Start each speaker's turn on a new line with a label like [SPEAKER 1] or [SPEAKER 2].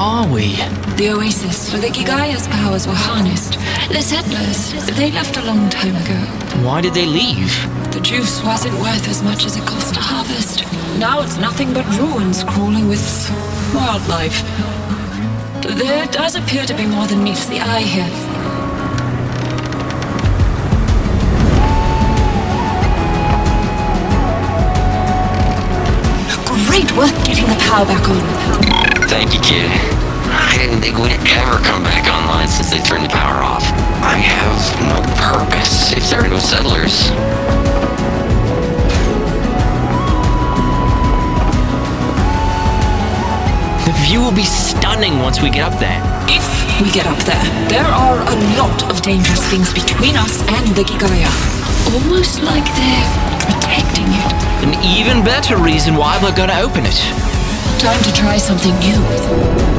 [SPEAKER 1] are we?
[SPEAKER 2] The oasis where the Gigaya's powers were harnessed. The settlers, they left a long time ago.
[SPEAKER 1] Why did they leave?
[SPEAKER 2] The juice wasn't worth as much as it cost to harvest. Now it's nothing but ruins crawling with wildlife. There does appear to be more than meets the eye here. Great work getting the power back on.
[SPEAKER 3] Thank you, kid. I didn't think we'd ever come back online since they turned the power off. I have no purpose if there are no settlers.
[SPEAKER 1] The view will be stunning once we get up there.
[SPEAKER 2] If we get up there, there are a lot of dangerous things between us and the Gigaya. Almost like they're protecting it.
[SPEAKER 1] An even better reason why we're gonna open it.
[SPEAKER 2] Time to try something new.